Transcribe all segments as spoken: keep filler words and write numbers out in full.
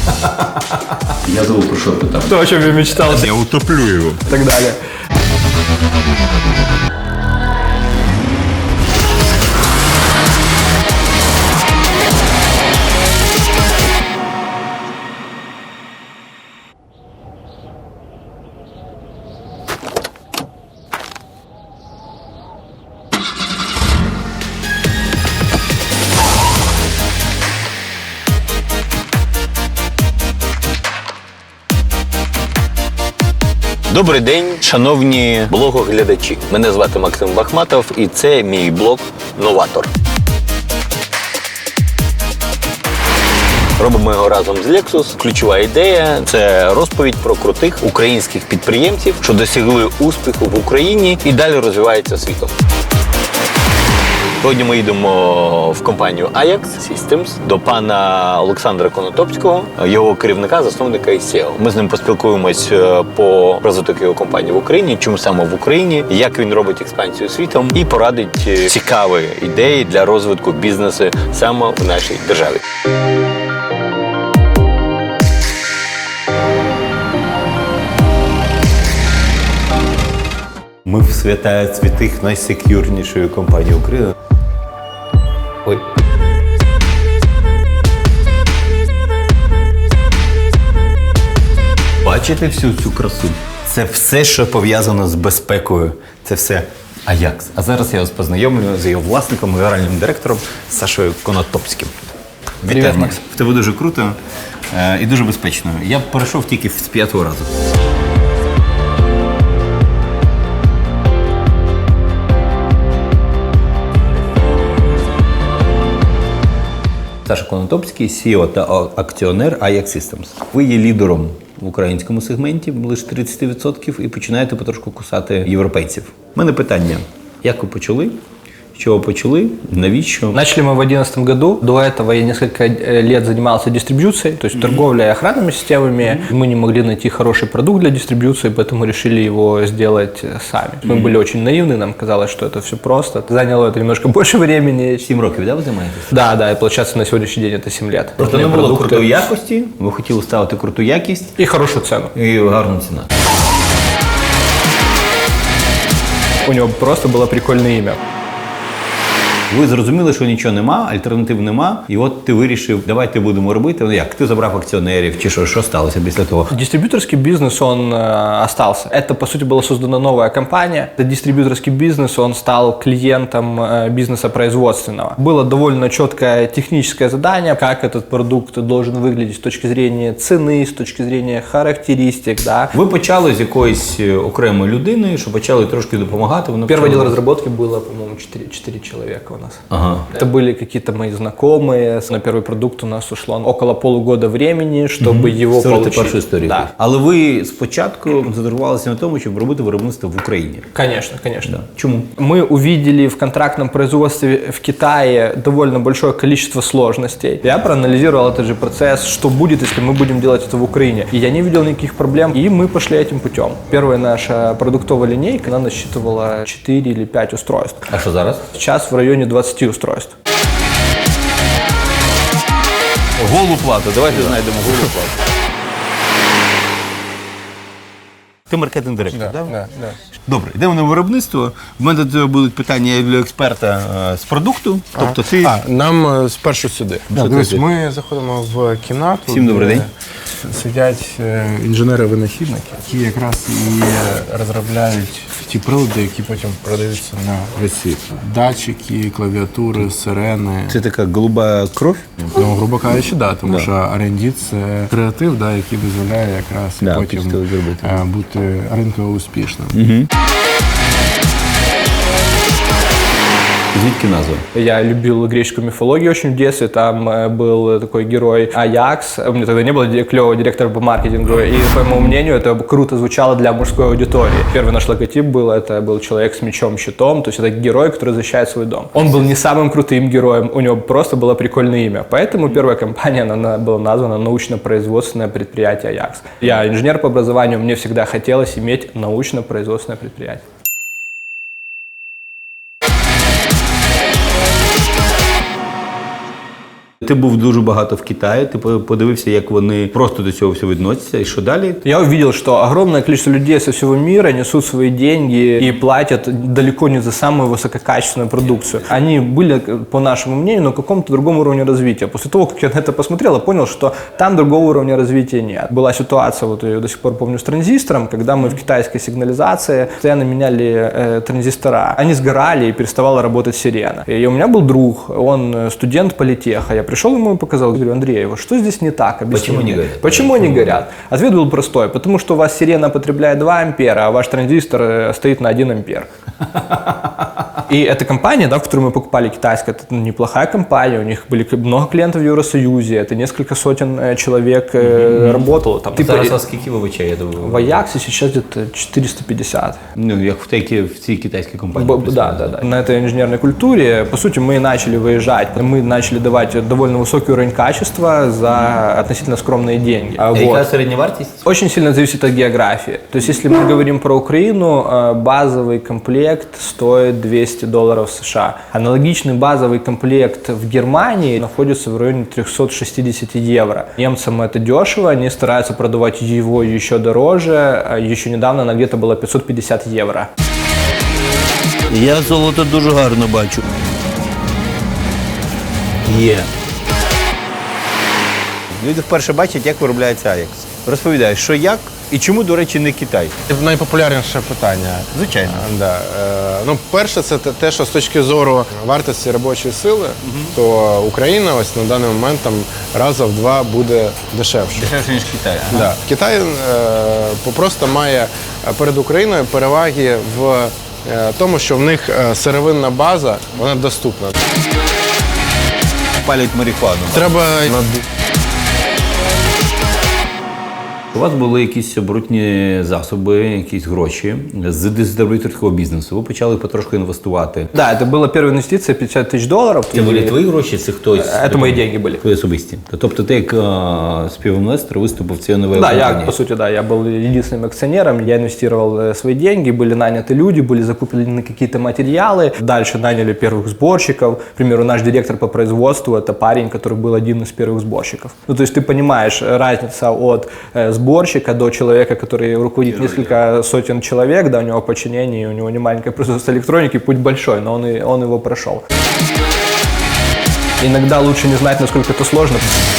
Я забыл, про что там. То, о чем я мечтал. Я утоплю его. И так далее. Добрий день, шановні блогоглядачі. Мене звати Максим Бахматов і це мій блог «Новатор». Робимо його разом з Lexus. Ключова ідея – це розповідь про крутих українських підприємців, що досягли успіху в Україні і далі розвиваються світом. Сьогодні ми їдемо в компанію Ajax Systems до пана Олександра Конотопського, його керівника, засновника і сі і о. Ми з ним поспілкуємось по розвиток його компанії в Україні, чому саме в Україні, як він робить експансію світом і порадить цікаві ідеї для розвитку бізнесу саме в нашій державі. Ми в святая святих найсекюрнішої компанії України. Ой. Бачите всю цю красу? Це все, що пов'язано з безпекою. Це все Ajax. А зараз я вас познайомлю з його власником, генеральним директором Сашою Конотопським. Привіт, Макс. В тебе дуже круто е, і дуже безпечно. Я перейшов тільки з п'ятого разу. Саша Конотопський, сі і о та акціонер Ajax Systems. Ви є лідером в українському сегменті, близько тридцять відсотків, і починаєте потрошку кусати європейців. У мене питання, як ви почали? С чего почали? Навіщо? Начали мы в две тысячи одиннадцатом году. До этого я несколько лет занимался дистрибьюцией, то есть mm-hmm. торговлей и охранными системами. Mm-hmm. Мы не могли найти хороший продукт для дистрибьюции, поэтому решили его сделать сами. Mm-hmm. Мы были очень наивны, нам казалось, что это все просто. Заняло это немножко больше времени. Сім років, да, ви займаєтесь? Да, да, и получается на сегодняшний день это семь лет. Просто не було крутої якості, ви хотіли ставити круту якість. І хорошу ціну. І гарну ціну. У нього просто було прикольне ім'я. Ви зрозуміли, що нічого нема, альтернатив нема, і от ти вирішив, давайте будемо робити. Ну як, ти забрав акціонерів, чи що, що сталося після того? Дистрибьюторский бизнес, он э, остался. Это, по сути, была создана новая компания. Это дистрибьюторский бизнес, он стал клиентом э, бизнеса производственного. Было довольно четкое техническое задание, как этот продукт должен выглядеть с точки зрения цены, с точки зрения характеристик, да. Ви почали з якоїсь окремої людини, що почали трошки допомагати. Воно Первый отдел разработки было, по-моему, четыре человека у нас. Ага. Это были какие-то мои знакомые. На первый продукт у нас ушло около полугода времени, чтобы mm-hmm. его Створити получить. першу історію. Да. Але ви спочатку задрувалися на тому, щоб робити виробництво в Україні. Конечно, конечно. Да. Чему? Мы увидели в контрактном производстве в Китае довольно большое количество сложностей. Я проанализировал этот же процесс, что будет, если мы будем делать это в Украине. И я не видел никаких проблем, и мы пошли этим путем. Первая наша продуктовая линейка, она насчитывала четыре или пять устройств. А що зараз? Сейчас в районе двадцати устройств. Голу плату. Давайте знайдемо голу плату. Ти маркетинг-директор, так? Да, да, да. Добре, йдемо на виробництво. В мене до цього будуть питання як для експерта е, з продукту. Тобто ти... А, нам е, спершу сюди. Да, Дивись, туди. ми заходимо в кімнату. Всім добрий де день. Сидять е, інженери-винахідники, які якраз і розробляють ті прилади, які потім продаються на весь світ. Датчики, клавіатури, сирени. Це така голуба кров? Ну, грубо кажучи, да, тому Да. що ар енд ді – це креатив, да, який дозволяє якраз Да, потім після зробити. е, бути ринково успішним. Угу. Звідки назва? Я любил греческую мифологию очень в детстве, там э, был такой герой Аякс. У меня тогда не было клевого директора по маркетингу, и, по моему мнению, это круто звучало для мужской аудитории. Первый наш логотип был, это был человек с мечом-щитом, то есть это герой, который защищает свой дом. Он был не самым крутым героем, у него просто было прикольное имя, поэтому первая компания, она была названа научно-производственное предприятие Аякс. Я инженер по образованию, мне всегда хотелось иметь научно-производственное предприятие. Ти ти був дуже багато в Китаї, ти подивився, як вони просто до цього всього відносяться, і що далі? Я увидел, что огромное количество людей со всего мира несут свои деньги и платят далеко не за самую высококачественную продукцию. Они были, по нашему мнению, на каком-то другом уровне развития. После того, как я на это посмотрел, я понял, что там другого уровня развития нет. Была ситуация, вот я до сих пор помню, с транзистором, когда мы в китайской сигнализации постоянно меняли э, транзистора. Они сгорали и переставала работать сирена. И у меня был друг, он студент политеха. Я пришел ему и показал, говорю: Андрей, вот что здесь не так? Объясни Почему мне. не горят? Почему они горят? Ответ был простой. Потому что у вас сирена потребляет два ампера, а ваш транзистор э, стоит на один ампер. И эта компания, да, в которую мы покупали, китайская, это неплохая компания, у них были много клиентов в Евросоюзе, это несколько сотен э, человек э, mm-hmm. работало там. Зараз а скільки вибачає? В Аяксе сейчас где-то четыреста пятьдесят. Ну, як в, тій, в цій китайській компанії. Б, да, да, да. На этой инженерной культуре, по сути, мы начали выезжать, мы начали давать довольно высокий уровень качества за относительно скромные деньги. А вот. яка середня вартість? Очень сильно зависит от географии. То есть, если мы говорим про Украину, базовый комплект стоит двести долларов США. Аналогичный базовый комплект в Германии находится в районе триста шестьдесят евро. Немцам это дешево, они стараются продавать его еще дороже. Еще недавно она где-то была пятьсот пятьдесят евро. Я золото дуже гарно бачу. Є. Люди вперше бачать, як виробляється Аякс. Розповідай, що як і чому, до речі, не Китай? Найпопулярніше питання. Звичайно. Да. Е, ну, перше, це те- те, що з точки зору вартості робочої сили, то Україна ось на даний момент там раза в два буде дешевше. Дешевше, ніж Китай. Да. Китай е, просто має перед Україною переваги в е, тому, що в них е, сировинна база, вона доступна. Палять марихуану. Треба над... У вас були якісь оборотні засоби, якісь гроші з дистриб'юторського бізнесу. Ви почали потрошку інвестувати. Да, это была первая инвестиция пятьдесят тысяч долларов. Це були твої гроші, це хтось? Это мои деньги были. Твої особисті. Тобто ти як е, співінвестор виступив в цій новій Да, я, компанії? по сути, да, я был единственным акционером, я инвестировал э, свои деньги, были наняты люди, были закуплены какие-то материалы, дальше наняли первых сборщиков. К примеру, наш директор по производству – это парень, который был один из первых сборщиков. Ну, то есть ты понимаешь, разница от э, сборщика до человека, который руководит несколько сотен человек, да, у него подчинение, у него не маленькое производство электроники, путь большой, но он, и, он его прошел. Иногда лучше не знать, насколько это сложно.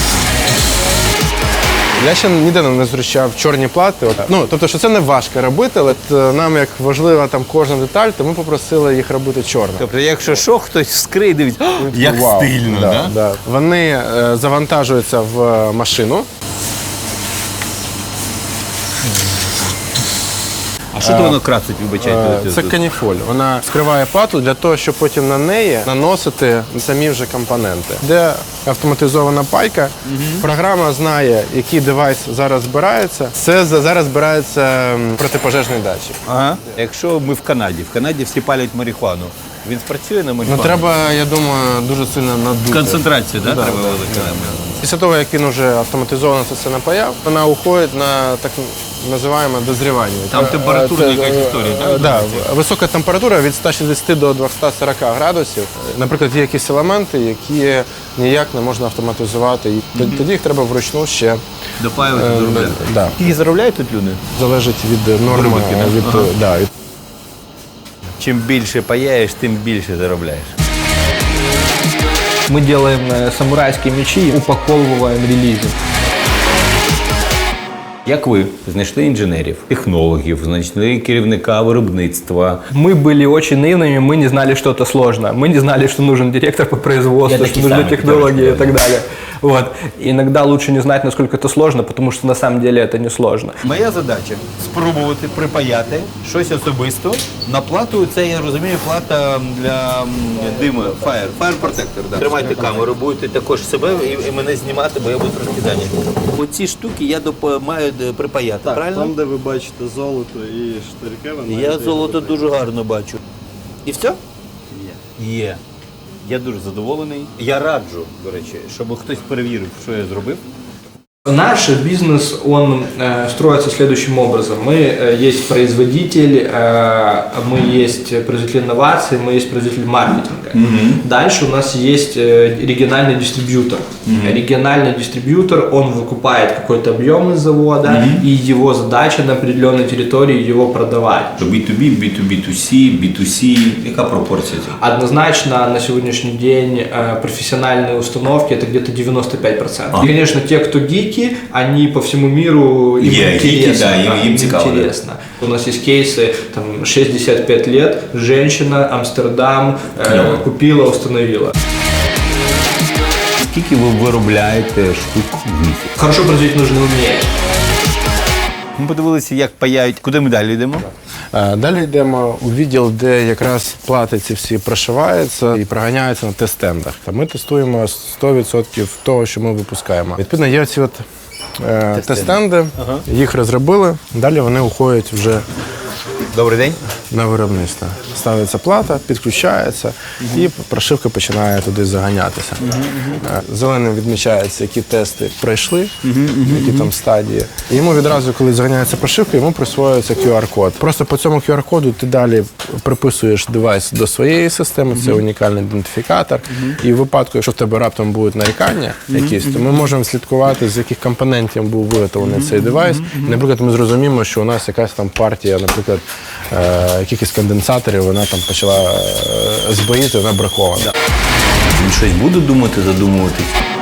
Я ще ніде не зустрічав чорні плати. От, ну, тобто, що це не важко робити, але от, нам як важлива там кожна деталь, то ми попросили їх робити чорно. Тобто, якщо що, хтось вскриє, дивиться, як Вау. стильно, да, да? да? Вони е, завантажуються в машину. А що то воно красить, вибачайте? Е, Це каніфоль. Вона скриває плату для того, щоб потім на неї наносити самі вже компоненти. Де автоматизована пайка, програма знає, який девайс зараз збирається. Це за- зараз збирається м, протипожежний датчик. Ага. Якщо ми в Канаді, в Канаді всі палять марихуану, він спрацює на Ну марихуану? треба, я думаю, дуже сильно надути. Концентрацію, да, Да, треба да, велика? Після того, як він вже автоматизовано це все напаяв, вона уходить на так називаємо дозрівання. Там Це, температурна це, якась е, історія, е, так, Да, висока температура від ста шістдесяти до двохсот сорока градусів. Наприклад, є якісь елементи, які ніяк не можна автоматизувати. І тоді їх треба вручну ще. Допаювати, е, доробляти. да. Скільки заробляють тут люди? Залежить від норми. Виробітки, да? Від, Ага. да, від Чим більше паяєш, тим більше заробляєш. Мы делаем э, самурайские мечи и упаковываем релизы. Як ви знайшли інженерів, технологів, знайшли керівника виробництва? Мы были очень наивными, мы не знали, что это сложно. Мы не знали, что нужен директор по производству, Я что такие нужны самые, технологии и которые так далее. Вот. Иногда лучше не знать, насколько это сложно, потому что на самом деле это не сложно. Моя задача спробувати припаяти щось особисто на плату. Це, я розумію, плата для м, диму, fire, fire protector. Да. Тримайте камеру, будете також себе і, і мене знімати, бо я буду трошки зайнятий. Оці штуки я доп- маю е, припаяти, Так, правильно? там, де ви бачите золото і штирки, ви Я маєте золото їх дуже гарно бачу. І все? Є. Є. Я дуже задоволений. Я раджу, до речі, щоб хтось перевірив, що я зробив. Наш бизнес, он э, строится следующим образом. Мы э, есть производитель, э, мы есть производитель инноваций, мы есть производитель маркетинга. Mm-hmm. Дальше у нас есть э, региональный дистрибьютор. Mm-hmm. Региональный дистрибьютор, он выкупает какой-то объем из завода, mm-hmm. и его задача на определенной территории его продавать. би ту бі, би ту бі ту сі, би ту сі, яка пропорція? Однозначно на сегодняшний день э, профессиональные установки это где-то девяносто пять процентов. А. И, конечно, те, кто гики, они по всему миру, им Yeah, интересно. гики, да, им- им им цікаво, да. интересно. У нас есть кейсы, там, шестьдесят пять лет, женщина, Амстердам, э, Клево. купила, установила. Скільки ви виробляєте штук в місяць? Хорошо производить нужно уметь. Ми подивилися, як паяють. Куди ми далі йдемо? Е, Далі йдемо у відділ, де якраз плати ці всі прошиваються і проганяються на тест-стендах. Та Ми тестуємо сто відсотків того, що ми випускаємо. Відповідно, є ці от е, тест-стенди, їх розробили, далі вони уходять вже Добрий день. на виробництво. Ставиться плата, підключається, і прошивка починає туди заганятися. Е, Зеленим відмічається, які тести пройшли, які там стадії. І йому відразу, коли заганяється прошивка, йому присвоюється кю ар-код. Просто по цьому кю ар-коду ти далі приписуєш девайс до своєї системи, це унікальний ідентифікатор. І в випадку, якщо в тебе раптом будуть нарікання якісь, то ми можемо слідкувати, з яких компонентів був виготовлений цей девайс. Наприклад, ми зрозуміємо, що у нас якась там партія, наприклад, е, якихось конденсаторів, вона там почала е, збоїти, вона бракована. Він щось буде думати, задумуватись?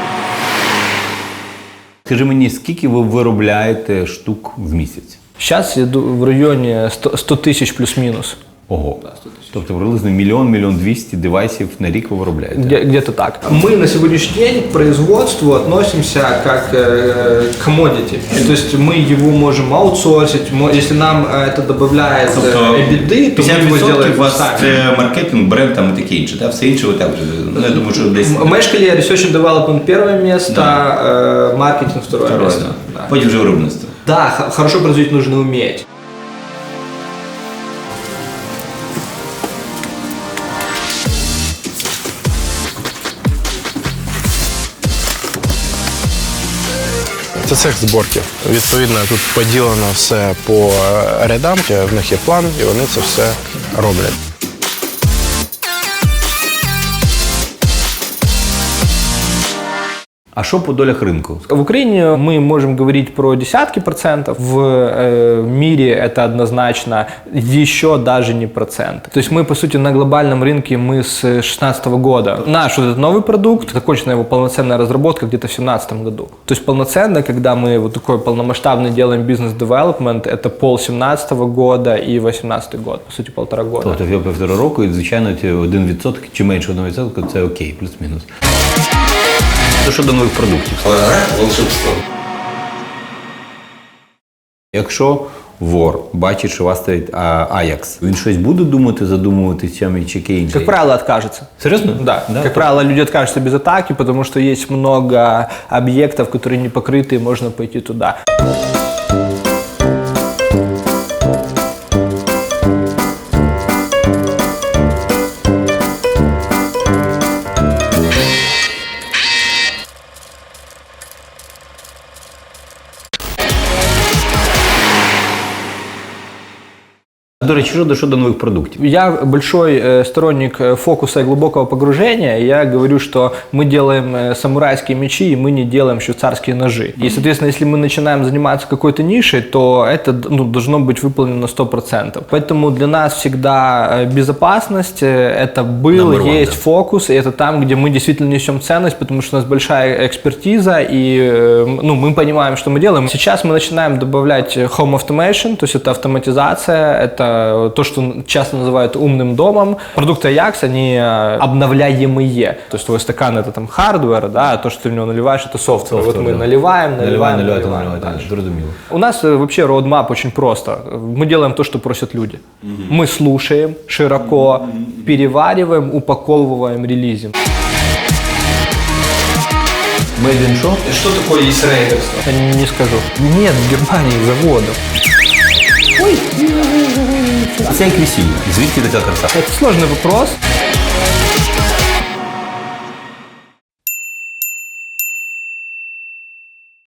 Скажи мені, скільки ви виробляєте штук в місяць? Сейчас иду в районе сто тысяч плюс-минус. Ого. Тобто приблизно мільйон, мільйон двісті девайсів на рік ви виробляєте? Где- Где-то так. Мы на сегодняшний день к производству относимся как э, к commodity. То есть мы его можем аутсорсить. мо- Если нам э, это добавляет э, EBITDA, то мы его делаем у вас сами. це маркетинг, бренд там і таке інше, так? Все інше ви так вже, ну, я думаю, що десь... В Мешкале Research and Development первое место, э, маркетинг второе, Второе, место. да. Да, Потім вже виробництво. Да, х- хорошо производить нужно уметь. Це цех зборки. Відповідно, тут поділено все по е, рядам, в них є план, і вони це все роблять. А що по долях ринку? В Украине мы можем говорить про десятки процентов, в э, мире это однозначно еще даже не процент. То есть мы, по сути, на глобальном рынке мы с две тысячи шестнадцатого года. Наш вот этот новый продукт, закончена его полноценная разработка где-то в две тысячи семнадцатом году. То есть полноценно, когда мы вот такой полномасштабный делаем бизнес-девелопмент, это пол семнадцатого года и восемнадцатый год, по сути, полтора года. Тобто в півтора року, і, звичайно, ці один відсоток чи менше одного відсотка – це окей, плюс-мінус. Що щодо нових продуктів? Волшебство. Якщо вор бачить, що у вас стоїть а, Ajax, він щось буде думати, задумуватись чим чи яке інше? Как правило, откажется. Серьезно? Да. Как правило, люди откажутся без атаки, потому что есть много объектов, которые не покрыты, и можно пойти туда. До речі, щодо, щодо нових продуктів. Я большой э, сторонник э, фокуса и глубокого погружения. Я говорю, что мы делаем э, самурайские мечи, и мы не делаем швейцарские ножи. И, соответственно, если мы начинаем заниматься какой-то нишей, то это ну, должно быть выполнено на сто процентов. Поэтому для нас всегда э, безопасность, э, это был, Number one, есть да. фокус, и это там, где мы действительно несем ценность, потому что у нас большая экспертиза, и э, ну, мы понимаем, что мы делаем. Сейчас мы начинаем добавлять home automation, то есть это автоматизация, это то, что часто называют умным домом. Продукты Ajax, они э, обновляемые. То есть твой стакан это там хардвер, да, а то, что ты в него наливаешь, это софтвер. Вот мы да. наливаем, наливаем, наливаєте, наливаем. наливаєте, дальше. зрозуміло. У нас э, вообще roadmap очень просто. Мы делаем то, что просят люди. Мы слушаем широко, перевариваем, упаковываем, релизим. Made in shop? Что такое есть рейдерство? Не скажу. Нет в Германии заводов. Це як весілля. Звідки така краса? Это сложный вопрос.